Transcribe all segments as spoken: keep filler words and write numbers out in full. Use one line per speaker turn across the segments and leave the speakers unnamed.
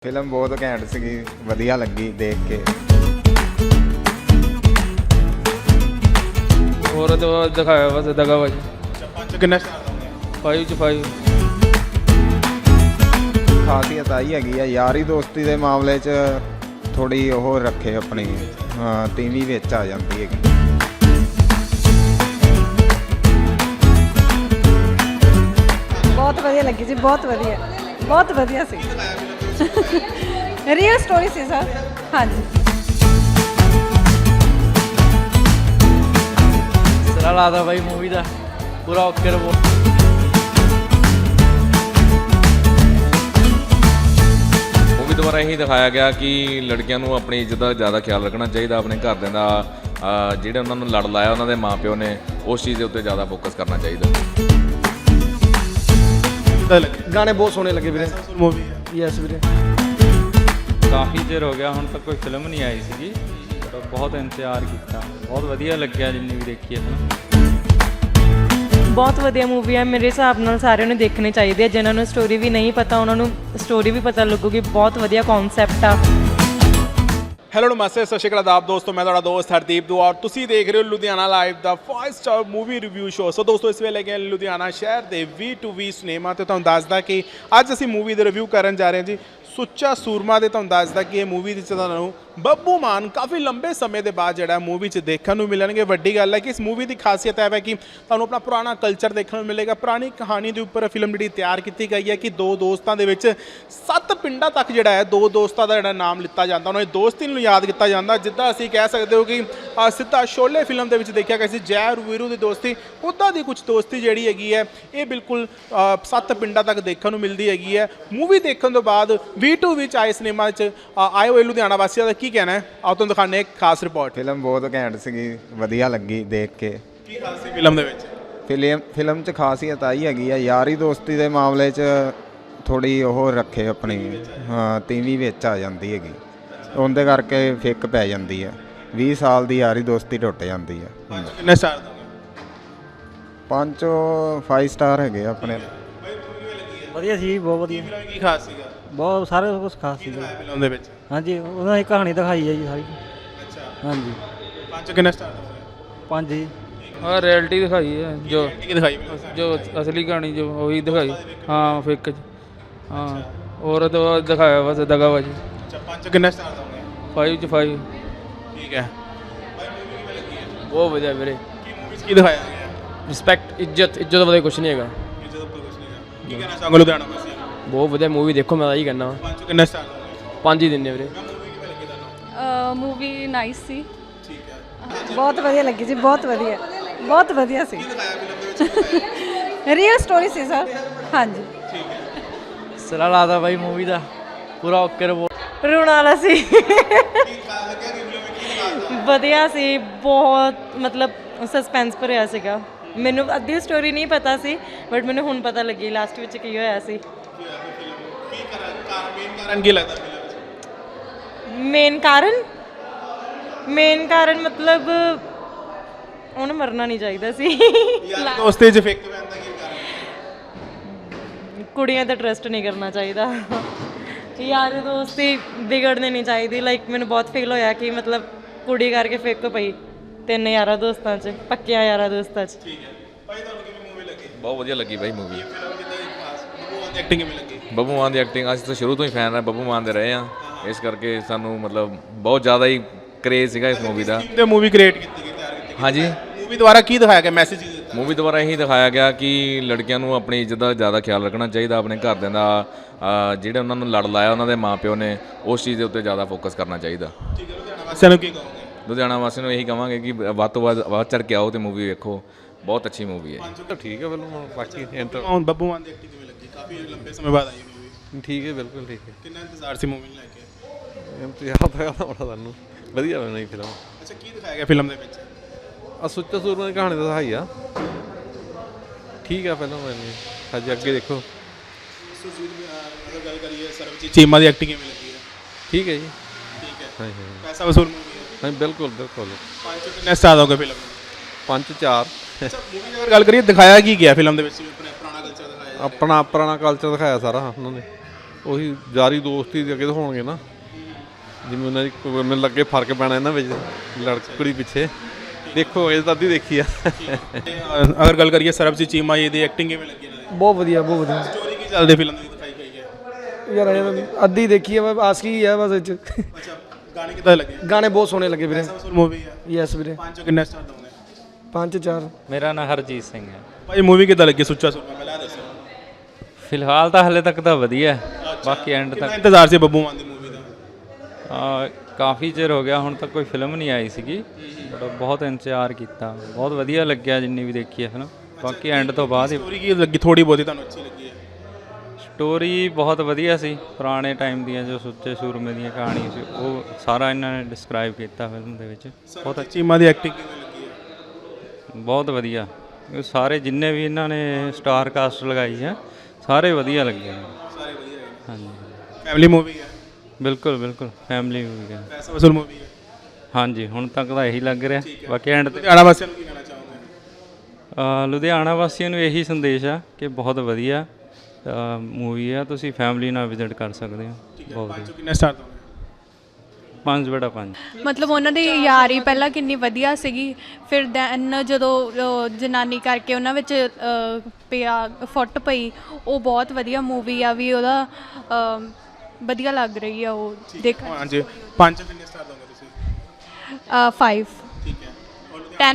Film ਬਹੁਤ ਘੈਂਟ ਸੀਗੀ, ਵਧੀਆ ਲੱਗੀ ਦੇਖ ਕੇ।
ਹੋਰ ਤਾਂ ਦਿਖਾਇਆ ਬਸ ਦਗਾਬਾਜੀ।
ਪੰਜ ਕਿੰਨਾ ਸਟਾਰ ਦੋਗੇ?
ਫਾਈਵ ਚ ਫਾਈਵ।
ਖਾਸੀਅਤ ਆਈ ਹੈਗੀ ਆ ਯਾਰੀ ਦੋਸਤੀ ਦੇ ਮਾਮਲੇ 'ਚ ਥੋੜੀ ਉਹ ਰੱਖੇ ਆਪਣੀ, ਹਾਂ ਤੀਵੀਂ ਵਿੱਚ ਆ ਜਾਂਦੀ ਹੈਗੀ।
ਬਹੁਤ ਵਧੀਆ ਲੱਗੀ ਜੀ, ਬਹੁਤ ਵਧੀਆ ਬਹੁਤ ਵਧੀਆ ਸੀ। ਰੀਅਲ ਸਟੋਰੀ ਸੀ ਸਰ। ਹਾਂਜੀ
ਸਰਾ ਲਾਦਾ ਬਾਈ ਮੂਵੀ ਦਾ ਪੂਰਾ ਓਕੇ ਰਿਪੋਰਟ।
ਮੂਵੀ ਦੁਆਰਾ ਇਹੀ ਦਿਖਾਇਆ ਗਿਆ ਕਿ ਲੜਕੀਆਂ ਨੂੰ ਆਪਣੀ ਇੱਜ਼ਤ ਦਾ ਜ਼ਿਆਦਾ ਖਿਆਲ ਰੱਖਣਾ ਚਾਹੀਦਾ, ਆਪਣੇ ਘਰਦਿਆਂ ਦਾ ਅ, ਜਿਹੜੇ ਉਹਨਾਂ ਨੂੰ ਲੜ ਲਾਇਆ ਉਹਨਾਂ ਦੇ ਮਾਪਿਓ ਨੇ, ਉਸ ਚੀਜ਼ ਦੇ ਉੱਤੇ ਜ਼ਿਆਦਾ ਫੋਕਸ ਕਰਨਾ ਚਾਹੀਦਾ।
ਗਾਣੇ ਬਹੁਤ ਸੋਹਣੇ ਲੱਗੇ ਵੀਰੇ।
ਮੂਵੀ
ਯੈਸ ਵੀਰੇ।
ਕਾਫੀ ਚਿਰ ਹੋ ਗਿਆ, ਹੁਣ ਤੱਕ ਕੋਈ ਫਿਲਮ ਨਹੀਂ ਆਈ ਸੀਗੀ, ਪਰ ਬਹੁਤ ਇੰਤਜ਼ਾਰ ਕੀਤਾ। ਬਹੁਤ ਵਧੀਆ ਲੱਗਿਆ ਜਿੰਨੀ ਵੀ ਦੇਖੀ ਹੈ ਫਿਲਮ।
ਬਹੁਤ ਵਧੀਆ ਮੂਵੀ ਹੈ, ਮੇਰੇ ਹਿਸਾਬ ਨਾਲ ਸਾਰਿਆਂ ਨੂੰ ਦੇਖਣੀ ਚਾਹੀਦੀ ਹੈ। ਜਿਨ੍ਹਾਂ ਨੂੰ ਸਟੋਰੀ ਵੀ ਨਹੀਂ ਪਤਾ ਉਹਨਾਂ ਨੂੰ ਸਟੋਰੀ ਵੀ ਪਤਾ ਲੱਗੂਗੀ। ਬਹੁਤ ਵਧੀਆ ਕਨਸੈਪਟ ਆ।
ਹੈਲੋ ਨਮਸਤੇ, ਸਤਿ ਸ਼੍ਰੀ ਅਕਾਲ ਆਦਾਬ ਦੋਸਤੋ, ਮੈਂ ਤੁਹਾਡਾ ਦੋਸਤ ਹਰਦੀਪ ਦੁਆ ਔਰ ਤੁਸੀਂ ਦੇਖ ਰਹੇ ਹੋ ਲੁਧਿਆਣਾ ਲਾਈਵ ਦਾ five star movie review show. So ਦੋਸਤੋ, ਇਸ ਵੇਲੇ ਗਏ ਲੁਧਿਆਣਾ ਸ਼ਹਿਰ ਦੇ ਵੀ ਟੂ ਵੀ ਸਿਨੇਮਾ ਤੇ ਤੁਹਾਨੂੰ ਦੱਸਦਾ ਕਿ ਅੱਜ ਅਸੀਂ ਮੂਵੀ ਦੇ ਰਿਵਿਊ ਕਰਨ ਜਾ ਰਹੇ ਹਾਂ ਜੀ, ਸੁੱਚਾ ਸੂਰਮਾ ਦੇ। ਤੁਹਾਨੂੰ ਦੱਸਦਾ ਕਿ ਇਹ ਮੂਵੀ ਦੇ 'ਚ ਤੁਹਾਨੂੰ ਬੱਬੂ ਮਾਨ ਕਾਫੀ ਲੰਬੇ ਸਮੇਂ ਦੇ ਬਾਅਦ ਜਿਹੜਾ ਮੂਵੀ 'ਚ ਦੇਖਣ ਨੂੰ ਮਿਲਣਗੇ। ਵੱਡੀ ਗੱਲ ਹੈ ਕਿ ਇਸ ਮੂਵੀ ਦੀ ਖਾਸੀਅਤ ਇਹ ਹੈ ਕਿ ਤੁਹਾਨੂੰ ਆਪਣਾ ਪੁਰਾਣਾ ਕਲਚਰ ਦੇਖਣ ਨੂੰ ਮਿਲੇਗਾ। ਪੁਰਾਣੀ ਕਹਾਣੀ ਦੇ ਉੱਪਰ ਫਿਲਮ ਜਿਹੜੀ ਤਿਆਰ ਕੀਤੀ ਗਈ ਹੈ ਕਿ ਦੋ ਦੋਸਤਾਂ ਦੇ ਵਿੱਚ ਸੱਤ ਪਿੰਡਾਂ ਤੱਕ ਜਿਹੜਾ ਹੈ ਦੋ ਦੋਸਤਾਂ ਦਾ ਜਿਹੜਾ ਨਾਮ ਲਿੱਤਾ ਜਾਂਦਾ, ਉਹਨਾਂ ਦੀ ਦੋਸਤੀ ਨੂੰ ਯਾਦ ਕੀਤਾ ਜਾਂਦਾ। ਜਿੱਦਾਂ ਅਸੀਂ ਕਹਿ ਸਕਦੇ ਹੋ ਕਿ ਅ, ਸਿੱਧਾ ਸ਼ੋਲੇ ਫਿਲਮ ਦੇ ਵਿੱਚ ਦੇਖਿਆ ਗਿਆ ਸੀ ਜੈ ਔਰ ਵੀਰੂ ਦੀ ਦੋਸਤੀ, ਉੱਦਾਂ ਦੀ ਕੁਝ ਦੋਸਤੀ ਜਿਹੜੀ ਹੈਗੀ ਹੈ ਇਹ ਬਿਲਕੁਲ ਅ, ਸੱਤ ਪਿੰਡਾਂ ਤੱਕ ਦੇਖਣ ਨੂੰ ਮਿਲਦੀ ਹੈਗੀ ਹੈ। ਮੂਵੀ ਦੇਖਣ ਤੋਂ ਬਾਅਦ ਵੀ ਟੂ ਵਿੱਚ ਆਏ ਸਿਨੇਮਾ 'ਚ ਅ, ਆਏ ਹੋਏ ਲੁਧਿਆਣਾ ਵਾਸੀਆਂ ਦਾ ਕੀ ਕਹਿਣਾ ਹੈ, ਆਓ ਤੁਹਾਨੂੰ ਦਿਖਾਉਂਦੇ ਇੱਕ ਖਾਸ ਰਿਪੋਰਟ।
ਫਿਲਮ ਬਹੁਤ ਘੈਂਟ ਸੀਗੀ, ਵਧੀਆ ਲੱਗੀ ਦੇਖ ਕੇ।
ਕੀ ਖਾਸ ਸੀ ਫਿਲਮ ਦੇ ਵਿੱਚ?
ਫਿਲਮ ਫਿਲਮ 'ਚ ਖਾਸੀਅਤ ਆਈ ਹੈਗੀ ਆ ਯਾਰੀ ਦੋਸਤੀ ਦੇ ਮਾਮਲੇ 'ਚ ਥੋੜੀ ਉਹ ਰੱਖੇ ਆਪਣੀ, ਹਾਂ ਤੀਵੀਂ ਵਿੱਚ ਆ ਜਾਂਦੀ ਹੈਗੀ। ਉਹਦੇ ਕਰਕੇ ਫਿੱਕ ਪੈ ਜਾਂਦੀ ਹੈ। ਵੀਹ ਸਾਲ ਦੀ ਯਾਰੀ ਦੋਸਤੀ ਟੁੱਟ ਜਾਂਦੀ ਹੈ।
ਕਿੰਨੇ ਸਟਾਰ ਦੋਗੇ?
ਪੰਜ ਫਾਈਵ ਸਟਾਰ ਹੈਗੇ ਆਪਣੇ।
ਵਧੀਆ ਸੀ, ਬਹੁਤ ਵਧੀਆ।
ਫਿਲਮ ਕੀ ਖਾਸ ਸੀਗਾ?
ਬਹੁਤ ਸਾਰੇ ਕੁਝ ਖਾਸ ਸੀ।
ਫਿਲਮ ਦੇ ਵਿੱਚ
ਹਾਂਜੀ, ਉਹਨਾਂ ਦੀ ਕਹਾਣੀ ਦਿਖਾਈ ਹੈ ਜੀ ਸਾਰੀ।
ਅੱਛਾ,
ਹਾਂਜੀ,
ਪੰਜ ਕਿੰਨੇ ਸਟਾਰ ਦੋਗੇ?
ਪੰਜ ਜੀ।
ਹਾਂ ਰਿਐਲਿਟੀ ਦਿਖਾਈ ਹੈ, ਜੋ
ਕੀ ਦਿਖਾਈ ਫਿਲਮ?
ਜੋ ਅਸਲੀ ਕਹਾਣੀ ਜੋ ਉਹੀ ਦਿਖਾਈ। ਹਾਂ ਫਿੱਕ ਚ। ਹਾਂ ਹੋਰ ਤਾਂ ਦਿਖਾਇਆ ਬਸ ਦਗਾਬਾਜੀ।
ਅੱਛਾ, ਪੰਜ ਕਿੰਨੇ ਸਟਾਰ ਦੋਗੇ?
ਫਾਈਵ ਚ ਫਾਈਵ।
ਠੀਕ ਹੈ।
ਬਹੁਤ ਵਧੀਆ ਵੀਰੇ।
ਕੀ ਮੂਵੀ 'ਚ ਕੀ ਦਿਖਾਇਆ ਗਿਆ?
ਰਿਸਪੈਕਟ, ਇੱਜ਼ਤ ਇੱਜ਼ਤ ਤੋਂ ਵਧੀਆ ਕੁਛ ਨਹੀਂ ਹੈਗਾ।
ਇੱਜ਼ਤ ਉੱਪਰ ਕੁਝ ਨਹੀਂ ਹੈ। ਕੀ ਕਹਿਣਾ ਚਾਹੋਗੇ ਲੁਧਿਆਣਾ ਵਾਸੀਆਂ ਨੂੰ?
ਬਹੁਤ ਵਧੀਆ ਮੂਵੀ, ਦੇਖੋ ਮੈਂ ਤਾਂ ਇਹੀ ਕਹਿਣਾ।
ਪੰਜ ਕਿੰਨੇ ਸਟਾਰ ਦੋਗੇ?
ਪੰਜ ਹੀ ਦਿੰਦੇ ਵੀਰੇ।
ਮੂਵੀ ਨਾਈਸ ਸੀ।
ਠੀਕ ਹੈ।
ਬਹੁਤ ਵਧੀਆ ਲੱਗੀ ਜੀ, ਬਹੁਤ ਵਧੀਆ ਬਹੁਤ ਵਧੀਆ ਸੀ। ਰੀਅਲ ਸਟੋਰੀ ਸੀ ਸਰ। ਹਾਂਜੀ
ਸਰਾ ਲਾਦਾ ਬਾਈ ਮੂਵੀ ਦਾ ਪੂਰਾ ਓਕੇ ਰਿਪੋਰਟ।
ਰੋਣ ਵਾਲਾ ਸੀ। ਵਧੀਆ ਸੀ, ਬਹੁਤ ਮਤਲਬ ਸਸਪੈਂਸ ਭਰਿਆ ਸੀਗਾ। ਮੈਨੂੰ ਅੱਧੀ ਸਟੋਰੀ ਨਹੀਂ ਪਤਾ ਸੀ, ਬਟ ਮੈਨੂੰ ਹੁਣ ਪਤਾ ਲੱਗੀ ਲਾਸਟ ਵਿੱਚ ਕੀ ਹੋਇਆ ਸੀ।
ਕੀ ਕਾਰਨ ਕਾਰਨ ਕੀ ਲੱਗਦਾ ਫਿਲਮ 'ਚ?
ਮੇਨ ਕਾਰਨ ਮੇਨ ਕਾਰਨ ਮਤਲਬ ਉਹਨੂੰ ਮਰਨਾ ਨਹੀਂ ਚਾਹੀਦਾ ਸੀ।
ਯਾਰ ਦੋਸਤੀ 'ਚ ਫਿੱਕ ਪੈਣ ਦਾ ਕੀ ਕਾਰਨ?
ਕੁੜੀਆਂ ਤੇ ਟਰਸਟ ਨਹੀਂ ਕਰਨਾ ਚਾਹੀਦਾ। ਯਾਰ ਦੋਸਤੀ ਵਿਗੜਨੀ ਨਹੀਂ ਚਾਹੀਦੀ। ਲਾਈਕ ਮੈਨੂੰ ਬਹੁਤ ਫੀਲ ਹੋਇਆ ਕਿ ਮਤਲਬ ਕੁੜੀ ਕਰਕੇ ਫਿੱਕ ਪਈ ਤਿੰਨ ਯਾਰਾਂ ਦੋਸਤਾਂ 'ਚ, ਪੱਕਿਆਂ ਯਾਰਾਂ ਦੋਸਤਾਂ 'ਚ।
ਠੀਕ ਹੈ ਭਾਈ, ਤੁਹਾਨੂੰ ਕਿਵੇਂ ਮੂਵੀ ਲੱਗੀ?
ਬਹੁਤ ਵਧੀਆ ਲੱਗੀ ਬਾਈ ਮੂਵੀ।
ਫਿਲਮ ਕਿੱਦਾਂ ਦੀ ਖਾਸ? ਬੱਬੂ ਮਾਨ ਦੀ ਐਕਟਿੰਗ ਕਿਵੇਂ ਲੱਗੀ?
ਬੱਬੂ ਮਾਨ ਦੀ ਐਕਟਿੰਗ, ਅਸੀਂ ਤਾਂ ਸ਼ੁਰੂ ਤੋਂ ਹੀ ਫੈਨ ਰਹੇ ਬੱਬੂ ਮਾਨ ਦੇ ਰਹੇ ਹਾਂ, ਇਸ ਕਰਕੇ ਸਾਨੂੰ ਮਤਲਬ ਬਹੁਤ ਜ਼ਿਆਦਾ ਹੀ ਕਰੇਜ਼ ਸੀਗਾ ਇਸ ਮੂਵੀ ਦਾ।
ਤੇ ਮੂਵੀ ਕ੍ਰੀਏਟ ਕੀਤੀ ਗਈ, ਤਿਆਰ ਕੀਤੀ ਗਈ।
ਹਾਂਜੀ,
ਮੂਵੀ ਦੁਆਰਾ ਕੀ ਦਿਖਾਇਆ ਗਿਆ, ਮੈਸੇਜ ਕੀ ਦਿੱਤਾ?
ਮੂਵੀ ਦੁਆਰਾ ਇਹੀ ਦਿਖਾਇਆ ਗਿਆ ਕਿ ਲੜਕੀਆਂ ਨੂੰ ਆਪਣੀ ਇੱਜ਼ਤ ਦਾ ਜ਼ਿਆਦਾ ਖਿਆਲ ਰੱਖਣਾ ਚਾਹੀਦਾ, ਆਪਣੇ ਘਰਦਿਆਂ ਦਾ ਅ, ਜਿਹੜੇ ਉਹਨਾਂ ਨੂੰ ਲੜ ਲਾਇਆ ਉਹਨਾਂ ਦੇ ਮਾਪਿਓ ਨੇ, ਉਸ ਚੀਜ਼ ਦੇ ਉੱਤੇ ਜ਼ਿਆਦਾ ਫੋਕਸ ਕਰਨਾ ਚਾਹੀਦਾ।
ਠੀਕ ਹੈ, ਲੁਧਿਆਣਾ ਵਾਸੀਆਂ ਨੂੰ ਕੀ ਕਹੋਗੇ?
ਲੁਧਿਆਣਾ ਵਾਸੀਆਂ ਨੂੰ ਇਹੀ ਕਹਾਂਗੇ ਕਿ ਵੱਧ ਤੋਂ ਵੱਧ ਵੱਧ ਚੜ੍ਹ ਕੇ ਆਓ ਤੇ ਮੂਵੀ ਵੇਖੋ, ਬਹੁਤ ਅੱਛੀ ਮੂਵੀ ਹੈ।
ਠੀਕ ਹੈ ਬਿਲਕੁਲ। ਬਾਕੀ ਇੰਟਰ
ਹੁਣ ਬੱਬੂ ਮਾਨ ਦੀ ਐਕਟਿੰਗ ਕਿਵੇਂ ਲੱਗੀ? ਕਾਫੀ ਲੰਬੇ ਸਮੇਂ ਬਾਅਦ ਆਈ ਮੂਵੀ।
ਠੀਕ ਹੈ, ਬਿਲਕੁਲ ਠੀਕ ਹੈ।
ਕਿੰਨਾ ਇੰਤਜ਼ਾਰ ਸੀ ਮੂਵੀ ਨੂੰ ਲੈ ਕੇ?
ਇੰਤਜ਼ਾਰ ਤਾਂ ਕਰਦਾ ਬੜਾ ਤੁਹਾਨੂੰ। ਵਧੀਆ ਬਣੀ ਫਿਲਮ।
ਅੱਛਾ, ਕੀ ਦਿਖਾਇਆ ਗਿਆ ਫਿਲਮ ਦੇ ਵਿੱਚ?
ਆ ਸੁੱਚਾ ਸੂਰਮਾ ਦੀ ਕਹਾਣੀ ਤਾਂ ਦਿਖਾਈ ਆ। ਠੀਕ ਆ ਫਿਲਮ ਮੈਨੂੰ। ਹਜੇ ਅੱਗੇ ਦੇਖੋ।
ਅਗਰ ਗੱਲ ਕਰੀਏ ਸਰਬਜੀਤ ਚੀਮਾ ਦੀ ਐਕਟਿੰਗ ਕਿਵੇਂ ਲੱਗੀ ਹੈ?
ਠੀਕ ਹੈ ਜੀ।
ਠੀਕ ਹੈ।
ਹਾਂਜੀ ਹਾਂਜੀ
ਪੈਸਾ ਵਸੂਲ ਮੂਵੀ ਹੈ।
ਹਾਂਜੀ, ਬਿਲਕੁਲ ਬਿਲਕੁਲ।
ਪੰਜ ਕਿੰਨੇ ਸਟਾਰ ਦੋਗੇ ਫਿਲਮ ਨੂੰ?
ਪੰਜ ਚਾਰ।
ਅੱਛਾ, ਮੂਵੀ ਦੀ ਅਗਰ ਗੱਲ ਕਰੀਏ ਦਿਖਾਇਆ ਕੀ ਗਿਆ ਫਿਲਮ ਦੇ ਵਿੱਚ? ਆਪਣਾ ਪੁਰਾਣਾ ਕਲਚਰ ਦਿਖਾਇਆ ਜਾ ਰਿਹਾ।
ਆਪਣਾ ਪੁਰਾਣਾ ਕਲਚਰ ਦਿਖਾਇਆ ਸਾਰਾ ਉਹਨਾਂ ਨੇ। ਉਹੀ ਯਾਰੀ ਦੋਸਤੀ ਦੇ ਅੱਗੇ ਦਿਖਾਉਣਗੇ ਨਾ, ਜਿਵੇਂ ਉਹਨਾਂ ਦੀ ਕੋਈ- ਮੈਨੂੰ ਲੱਗੇ ਫਰਕ ਪੈਣਾ ਇਹਨਾਂ ਵਿੱਚ ਲੜਕੀ ਕੁੜੀ ਪਿੱਛੇ। ਦੇਖੋ ਇਹ ਤਾਂ ਅੱਧੀ ਦੇਖੀ ਆ।
ਅਗਰ ਗੱਲ ਕਰੀਏ ਸਰਬਜੀਤ ਚੀਮਾ ਜੀ ਦੀ ਐਕਟਿੰਗ ਕਿਵੇਂ ਲੱਗੀ ਇਹਨਾਂ ਦੀ?
ਬਹੁਤ ਵਧੀਆ ਬਹੁਤ ਵਧੀਆ
ਸਟੋਰੀ ਕੀ ਚੱਲਦੀ ਫਿਲਮ ਦੀ ਦਿਖਾਈ ਗਈ ਹੈ?
ਯਾਰ ਇਹ ਅੱਧੀ ਦੇਖੀ ਹੈ, ਆਸਕੀ ਹੈ ਬਸ ਇਹ 'ਚ।
ਅੱਛਾ, ਗਾਣੇ ਕਿੱਦਾਂ ਲੱਗੇ?
ਗਾਣੇ ਬਹੁਤ ਸੋਹਣੇ ਲੱਗੇ ਵੀਰੇ।
ਮੂਵੀ ਹੈ,
ਯੈਸ ਵੀਰੇ।
ਪੰਜ ਚੋਂ ਕਿੰਨੇ ਸਟਾਰ ਦੋਗੇ?
ਪੰਜ ਚਾਰ।
ਮੇਰਾ ਨਾਂ ਹਰਜੀਤ ਸਿੰਘ ਹੈ।
ਭਾਈ ਮੂਵੀ ਕਿੱਦਾਂ ਲੱਗੀ ਸੁੱਚਾ ਸੂਰਮਾ, ਪਹਿਲਾਂ ਇਹ ਦੱਸੋ।
ਫਿਲਹਾਲ ਤਾਂ ਹਲੇ ਤੱਕ ਤਾਂ ਵਧੀਆ ਹੈ, ਬਾਕੀ ਐਂਡ
ਕਿੰਨਾ
ਤੱਕ
ਇੰਤਜ਼ਾਰ ਸੀ ਬੱਬੂ ਮਾਨ ਦੀ ਮੂਵੀ ਦਾ?
ਆ, ਕਾਫੀ ਚਿਰ ਹੋ ਗਿਆ, ਹੁਣ ਤੱਕ ਕੋਈ ਫਿਲਮ ਨਹੀਂ ਆਈ ਸੀਗੀ, ਬਟ ਬਹੁਤ ਇੰਤਜ਼ਾਰ ਕੀਤਾ, ਬਹੁਤ ਵਧੀਆ ਲੱਗਿਆ ਜਿੰਨੀ ਵੀ ਦੇਖੀ ਹੈ ਫਿਲਮ। ਬਾਕੀ ਐਂਡ ਤੋਂ ਬਾਅਦ ਹੀ
ਸਟੋਰੀ ਕੀ ਲੱਗੀ? ਥੋੜੀ ਬਹੁਤੀ ਤੁਹਾਨੂੰ ਅੱਛੀ ਲੱਗੀ ਹੈ?
ਸਟੋਰੀ ਬਹੁਤ ਵਧੀਆ ਸੀ, ਪੁਰਾਣੇ ਟਾਈਮ ਦੀਆਂ ਜੋ ਸੁੱਚੇ ਸੂਰਮੇ ਦੀਆਂ ਕਹਾਣੀ ਸੀ ਉਹ ਸਾਰਾ ਇਹਨਾਂ ਨੇ ਡਿਸਕ੍ਰਾਈਬ ਕੀਤਾ ਫਿਲਮ ਦੇ ਵਿੱਚ। ਬਹੁਤ ਅੱਛੀ,
ਚੀਮਾ ਦੀ ਐਕਟਿੰਗ ਕਿਵੇਂ ਲੱਗੀ ਹੈ?
ਬਹੁਤ ਵਧੀਆ। ਇਹ ਸਾਰੇ ਜਿੰਨੇ ਵੀ ਇਹਨਾਂ ਨੇ ਸਟਾਰ ਕਾਸਟ ਲਗਾਈ ਹੈ ਸਾਰੇ ਵਧੀਆ ਲੱਗੇ ਨੇ।
ਸਾਰੇ ਵਧੀਆ ਹੈ।
ਹਾਂਜੀ
ਫੈਮਿਲੀ ਮੂਵੀ ਹੈ?
ਬਿਲਕੁਲ ਬਿਲਕੁਲ ਫੈਮਿਲੀ ਮੂਵੀ ਹੈ।
ਪੈਸਾ ਵਸੂਲ ਮੂਵੀ ਹੈ?
ਹਾਂਜੀ ਹੁਣ ਤੱਕ ਤਾਂ ਇਹੀ ਲੱਗ ਰਿਹਾ, ਬਾਕੀ ਐਂਡ ਤੇ
ਲੁਧਿਆਣਾ ਵਾਸੀਆਂ ਨੂੰ ਕੀ ਕਹਿਣਾ ਚਾਹੋਗੇ?
ਅ, ਲੁਧਿਆਣਾ ਵਾਸੀਆਂ ਨੂੰ ਇਹੀ ਸੰਦੇਸ਼ ਆ ਕਿ ਬਹੁਤ ਵਧੀਆ ਮੂਵੀ ਆ, ਤੁਸੀਂ ਫੈਮਿਲੀ ਨਾਲ ਵਿਜ਼ਿਟ ਕਰ ਸਕਦੇ ਹੋ। ਬਹੁਤ
ਪੰਜ
ਵਧੀਆ।
ਚੋਂ ਕਿੰਨੇ ਸਟਾਰ ਦੋਗੇ?
ਪੰਜ ਬੜਾ ਪੰਜ।
ਮਤਲਬ ਉਹਨਾਂ ਦੀ ਯਾਰੀ ਪਹਿਲਾਂ ਕਿੰਨੀ ਵਧੀਆ ਸੀਗੀ, ਫਿਰ ਦੈਨ ਜਦੋਂ ਉਹ ਜਨਾਨੀ ਕਰਕੇ ਉਹਨਾਂ ਵਿੱਚ ਅ, ਪਿਆ ਫੁੱਟ ਪਈ, ਉਹ ਬਹੁਤ ਵਧੀਆ ਮੂਵੀ ਆ ਵੀ ਉਹਦਾ ਅ, ਵਧੀਆ ਲੱਗ ਰਹੀ ਆ ਉਹ ਦੇਖ।
ਹਾਂਜੀ, ਪੰਜ ਚੋਂ ਕਿੰਨੇ ਸਟਾਰ ਦੋਗੇ ਤੁਸੀਂ?
ਫਾਈਵ
ਠੀਕ ਹੈ।
ਟੈਨ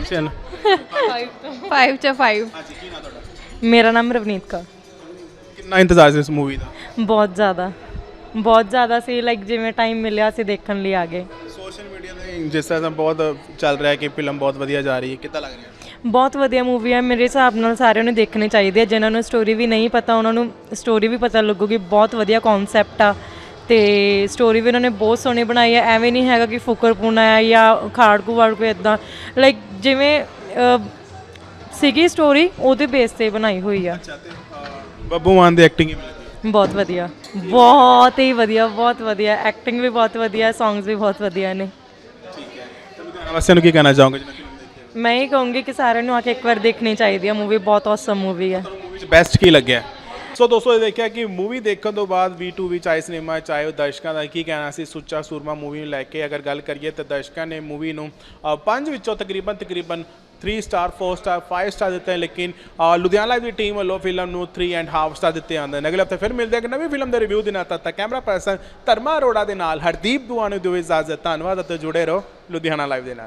ਫਾਈਵ ਚ ਫਾਈਵ।
ਹਾਂਜੀ, ਕੀ ਨਾਮ ਤੁਹਾਡਾ?
ਮੇਰਾ ਨਾਮ ਰਵਨੀਤ ਕੌਰ।
ਕਿੰਨਾ ਇੰਤਜ਼ਾਰ ਸੀ ਇਸ ਮੂਵੀ ਦਾ?
ਬਹੁਤ ਜ਼ਿਆਦਾ ਬਹੁਤ ਜ਼ਿਆਦਾ ਸੀ, ਲਾਈਕ ਜਿਵੇਂ ਟਾਈਮ ਮਿਲਿਆ ਸੀ ਦੇਖਣ ਲਈ ਆ ਗਏ।
ਸੋਸ਼ਲ ਮੀਡੀਆ ਤੇ ਜਿਸ ਤਰ੍ਹਾਂ ਬਹੁਤ ਚੱਲ ਰਿਹਾ ਕਿ ਫਿਲਮ ਬਹੁਤ ਵਧੀਆ ਜਾ ਰਹੀ ਹੈ, ਕਿੱਦਾਂ ਲੱਗ ਰਿਹਾ?
ਬਹੁਤ ਵਧੀਆ ਮੂਵੀ ਹੈ, ਮੇਰੇ ਹਿਸਾਬ ਨਾਲ ਸਾਰਿਆਂ ਨੂੰ ਦੇਖਣੀ ਚਾਹੀਦੀ ਹੈ। ਜਿਨ੍ਹਾਂ ਨੂੰ ਸਟੋਰੀ ਵੀ ਨਹੀਂ ਪਤਾ ਉਹਨਾਂ ਨੂੰ ਸਟੋਰੀ ਵੀ ਪਤਾ ਲੱਗੂਗੀ। ਬਹੁਤ ਵਧੀਆ ਕਨਸੈਪਟ ਆ ਤੇ ਸਟੋਰੀ ਵੀ ਉਹਨਾਂ ਨੇ ਬਹੁਤ ਸੋਹਣੀ ਬਣਾਈ ਹੈ। ਐਵੇਂ ਨਹੀਂ ਹੈਗਾ ਕਿ ਫੁਕਰਪੂਣਾ ਹੈ ਜਾਂ ਖਾੜਕੂ ਵਾੜਕੂ ਇੱਦਾਂ, ਲਾਈਕ ਜਿਵੇਂ ਅ, ਸੀਗੀ ਸਟੋਰੀ ਉਹਦੇ ਬੇਸ 'ਤੇ ਬਣਾਈ ਹੋਈ ਆ।
ਬੱਬੂ ਮਾਨ ਦੀ ਐਕਟਿੰਗ ਕਿਵੇਂ ਲੱਗੀ?
ਬਹੁਤ ਵਧੀਆ, ਬਹੁਤ ਹੀ ਵਧੀਆ, ਬਹੁਤ ਵਧੀਆ ਐਕਟਿੰਗ ਵੀ ਬਹੁਤ ਵਧੀਆ, ਸੌਂਗਸ ਵੀ ਬਹੁਤ ਵਧੀਆ ਨੇ।
ਠੀਕ ਹੈ। ਤਾਂ ਲੁਧਿਆਣਾ ਵਾਸੀਆਂ ਨੂੰ ਕੀ ਕਹਿਣਾ ਚਾਹੋਗੇ ਜਿਹਨਾਂ ਫਿਲਮ ਦੇਖੀ ਹੈ?
ਮੈਂ ਇਹ ਕਹੂੰਗੀ ਕਿ ਸਾਰਿਆਂ ਨੂੰ ਆ ਕੇ ਇੱਕ ਵਾਰ ਦੇਖਣੀ ਚਾਹੀਦੀ ਹੈ ਮੂਵੀ, ਬਹੁਤ ਔਸਮ ਮੂਵੀ ਹੈ।
ਮੂਵੀ 'ਚ ਬੈਸਟ ਕੀ ਲੱਗਿਆ? ਸੋ ਦੋਸਤੋ ਇਹ ਦੇਖਿਆ ਕਿ ਮੂਵੀ ਦੇਖਣ ਤੋਂ ਬਾਅਦ ਵੀ ਟੂ ਵੀ ਚਾਹੇ ਸਿਨੇਮਾ ਚਾਹੇ ਉਹ ਦਰਸ਼ਕਾਂ ਦਾ ਕੀ ਕਹਿਣਾ ਸੀ ਸੁੱਚਾ ਸੂਰਮਾ ਮੂਵੀ ਨੂੰ ਲੈ ਕੇ। ਅਗਰ ਗੱਲ ਕਰੀਏ ਤਾਂ ਦਰਸ਼ਕਾਂ ਨੇ ਮੂਵੀ ਨੂੰ ਅ, ਪੰਜ ਵਿੱਚੋਂ ਤਕਰੀਬਨ ਤਕਰੀਬਨ three star four star five star ਦਿੱਤੇ ਹਨ, ਲੇਕਿਨ ਅ, ਲੁਧਿਆਣਾ ਲਾਈਵ ਦੀ ਟੀਮ ਵੱਲੋਂ ਫਿਲਮ ਨੂੰ ਥ੍ਰੀ ਐਂਡ ਹਾਫ ਸਟਾਰ ਦਿੱਤੇ ਜਾਂਦੇ ਨੇ। ਅਗਲੇ ਹਫਤੇ ਫਿਰ ਮਿਲਦੇ ਹਾਂ ਇੱਕ ਨਵੀਂ ਫਿਲਮ ਦੇ ਰਿਵਿਊ ਦੇ ਨਾਲ। ਤਦ ਤੱਕ ਕੈਮਰਾ ਪਰਸਨ ਧਰਮਾ ਅਰੋੜਾ ਦੇ ਨਾਲ ਹਰਦੀਪ ਦੁਆ ਨੂੰ ਦਿਓ ਇਜਾਜ਼ਤ। ਧੰਨਵਾਦ ਅਤੇ ਜੁੜੇ ਰਹੋ ਲੁਧਿਆਣਾ ਲਾਈਵ ਦੇ ਨਾਲ।